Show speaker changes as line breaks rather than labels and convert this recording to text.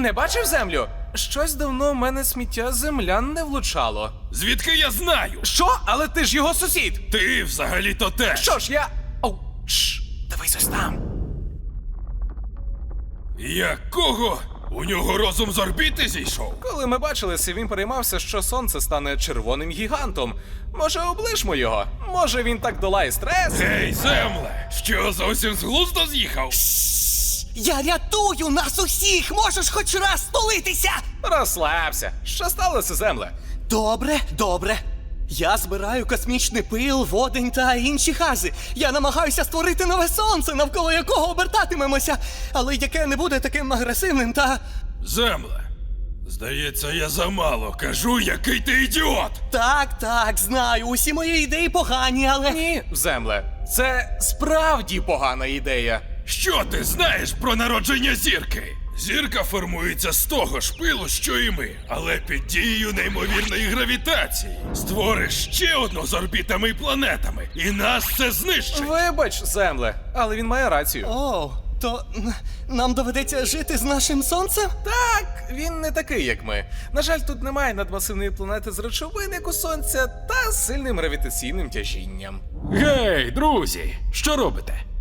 Не бачив землю? Щось давно в мене сміття землян не влучало.
Звідки я знаю?
Що? Але ти ж його сусід!
Ти взагалі-то теж.
Що ж, я... Оу, шш, дивись ось там.
Якого? У нього розум з орбіти зійшов?
Коли ми бачилися, він переймався, що сонце стане червоним гігантом. Може, облишмо його? Може, він так долає стрес?
Гей, земле! Що, зовсім з глузду з'їхав?
Я рятую нас усіх! Можеш хоч раз столитися!
Розслабся. Що сталося, земле?
Добре, добре. Я збираю космічний пил, водень та інші хази. Я намагаюся створити нове сонце, навколо якого обертатимемося, але яке не буде таким агресивним та...
Земле, здається, я замало кажу, який ти ідіот!
Так, знаю, усі мої ідеї погані, але...
Ні, земле. Це справді погана ідея.
Що ти знаєш про народження зірки? Зірка формується з того ж пилу, що і ми, але під дією неймовірної гравітації. Створиш ще одну з орбітами і планетами, і нас це знищить.
Вибач, земле, але він має рацію.
О, то нам доведеться жити з нашим сонцем?
Так, він не такий, як ми. На жаль, тут немає надмасивної планети з речовин, як у Сонця, та з сильним гравітаційним тяжінням.
Гей, друзі, що робите?